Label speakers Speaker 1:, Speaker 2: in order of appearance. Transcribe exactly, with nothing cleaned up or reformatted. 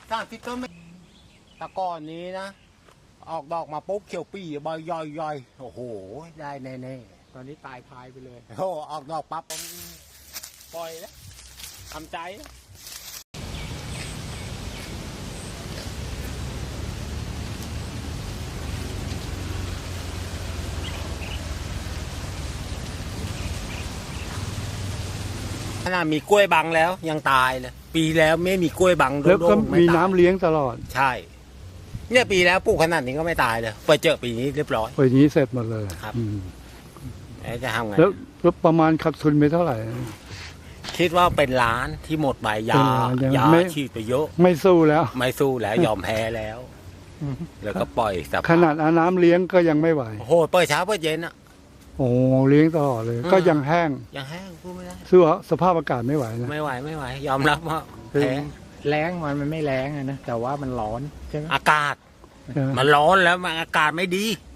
Speaker 1: สามสิบต้นไม่ตะก้อนนี้นะออกดอกมาปุ๊บเขียวปี่ใบย่อยย่อยโอ้โหได้แน่ๆ
Speaker 2: ตอนนี้ตายพายไปเลย
Speaker 1: โอ้ออกดอกปั๊บปล่อยแล้วทำใจขนาดมีกล้วยบังแล้วยังตายเลยปีแล้วไม่มีกล้วยบังโด
Speaker 3: แล้วก็
Speaker 1: นๆไม่
Speaker 3: มี
Speaker 1: ตาย
Speaker 3: น้ำเลี้ยงตลอด
Speaker 1: ใช่เนี่ยปีแล้วปลูกขนาดนี้ก็ไม่ตายเลยไปเจอปีนี้เรียบร้อย
Speaker 3: ปีนี้เสร็จหมดเลย
Speaker 1: ครับ
Speaker 3: อืม
Speaker 1: แล้วจะทำไง
Speaker 3: แล้วแล้วประมาณขาดทุนไปเท่าไหร่
Speaker 1: คิดว่าเป็นล้านที่หมดไปยา
Speaker 3: เป็นล้านยัง
Speaker 1: ยา
Speaker 3: ไม่
Speaker 1: ฉีดไปเยอะ
Speaker 3: ไม่สู้แล้ว
Speaker 1: ไม่สู้แล้วยอมแพ้แล้ว แล้วก็ปล่อยสภาพ
Speaker 3: ขนาดเอาน้ำเลี้ยงก็ยังไม่ไหว
Speaker 1: โอ้โหเปิดเช้าเปิดเย็นอ่ะ
Speaker 3: โอ้เลี้ยงตลอดเลย
Speaker 1: อืม
Speaker 3: ก็ยังแห้ง
Speaker 1: ยังแห้งพูดไม่ได้
Speaker 3: สู้สภาพอากาศไม่ไหวนะ
Speaker 1: ไม่ไหวไม่ไหว ยอมรับว่า
Speaker 2: คือ
Speaker 1: แพ้
Speaker 2: แรงมันมันไม่แรงอะนะแต่ว่ามันร้อนใช่ไหม
Speaker 1: อากาศ
Speaker 3: ใช่ไหม
Speaker 1: มันร้อนแล้วมันอากาศไม่ดี